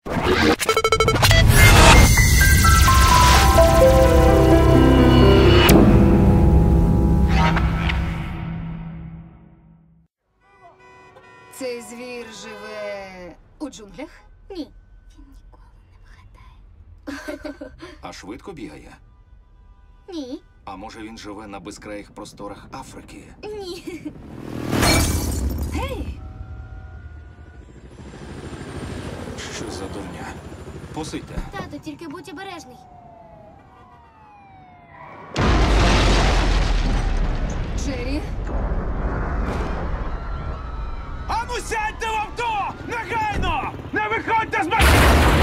Цей звір живе у джунглях? Ні. Він ніколи не вгадає. А швидко бігає? Ні. А може він живе на безкраїх просторах Африки? Ні. Гей! Що за дурня? Посидьте. Тато, тільки будь обережний. Джері? Ану сядьте в авто! Негайно! Не виходьте з машини!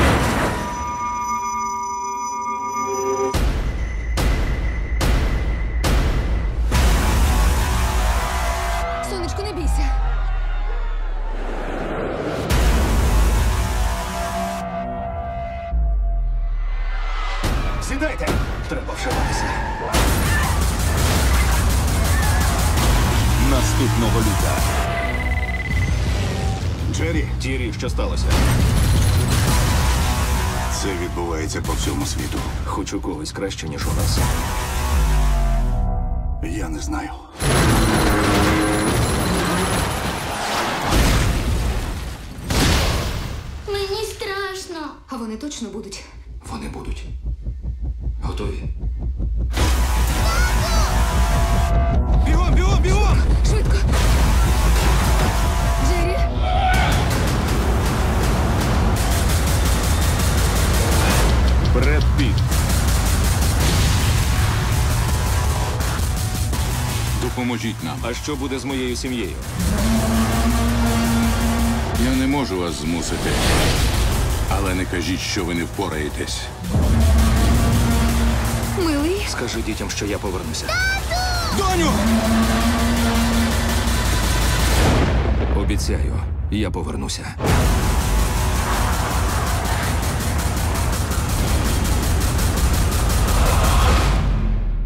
Сонечко, не бійся. Сідайте! Треба вшиватися. Наступного літа. Джері, Тірі, що сталося? Це відбувається по всьому світу. Хоч у когось краще, ніж у нас. Я не знаю. Мені страшно. А вони точно будуть. Вони будуть. Готові? Бігом, бігом, бігом! Швидко! Джері? Бред Піт. Допоможіть нам. А що буде з моєю сім'єю? Я не можу вас змусити. Але не кажіть, що ви не впораєтесь. Милий? Скажи дітям, що я повернуся. Доню! Обіцяю, я повернуся.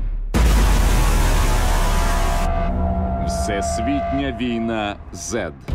Всесвітня війна Z.